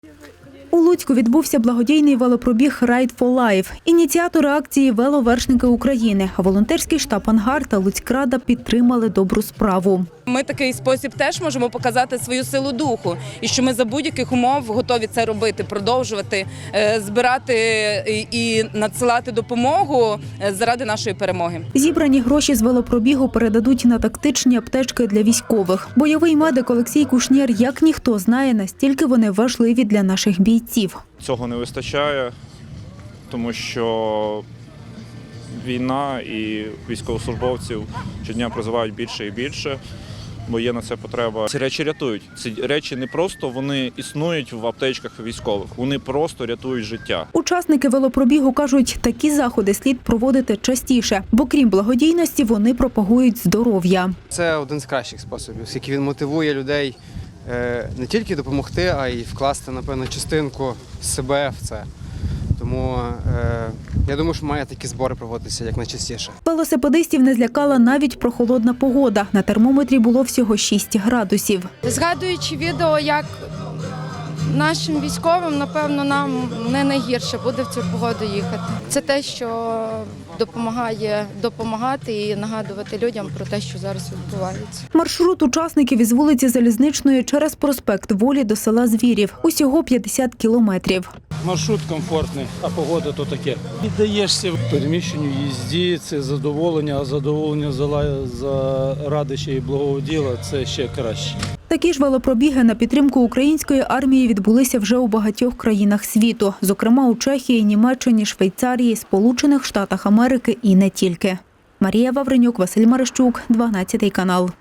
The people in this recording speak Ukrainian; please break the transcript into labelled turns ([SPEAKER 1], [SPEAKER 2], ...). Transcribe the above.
[SPEAKER 1] У Луцьку відбувся благодійний велопробіг «Ride for Life». Ініціатори акції – веловершники України. Волонтерський штаб «Ангар» та Луцькрада підтримали добру справу.
[SPEAKER 2] Ми такий спосіб теж можемо показати свою силу духу і що ми за будь-яких умов готові це робити, продовжувати, збирати і надсилати допомогу заради нашої перемоги.
[SPEAKER 1] Зібрані гроші з велопробігу передадуть на тактичні аптечки для військових. Бойовий медик Олексій Кушнєр як ніхто знає, настільки вони важливі для наших бійців.
[SPEAKER 3] Цього не вистачає, тому що війна і військовослужбовців щодня призивають більше і більше, бо є на це потреба. Ці речі рятують. Ці речі не просто вони існують в аптечках військових, вони просто рятують життя.
[SPEAKER 1] Учасники велопробігу кажуть, такі заходи слід проводити частіше, бо крім благодійності вони пропагують здоров'я.
[SPEAKER 4] Це один з кращих способів, оскільки він мотивує людей не тільки допомогти, а й вкласти, напевно, частинку себе в це. Тому я думаю, що має такі збори проводитися якнайчастіше.
[SPEAKER 1] Велосипедистів не злякала навіть прохолодна погода. На термометрі було всього 6 градусів.
[SPEAKER 5] Згадуючи відео, як нашим військовим, напевно, нам не найгірше буде в цю погоду їхати. Це те, що допомагає допомагати і нагадувати людям про те, що зараз відбувається.
[SPEAKER 1] Маршрут учасників із вулиці Залізничної через проспект Волі до села Звірів. Усього 50 кілометрів.
[SPEAKER 6] Маршрут комфортний, а погода то таке. Віддаєшся переміщенню, їзді, це задоволення, а задоволення заради ще й благого діла – це ще краще.
[SPEAKER 1] Такі ж велопробіги на підтримку української армії відбулися вже у багатьох країнах світу. Зокрема, у Чехії, Німеччині, Швейцарії, Сполучених Штатах Америки і не тільки. Марія Вавренюк, Василь Марищук, 12 канал.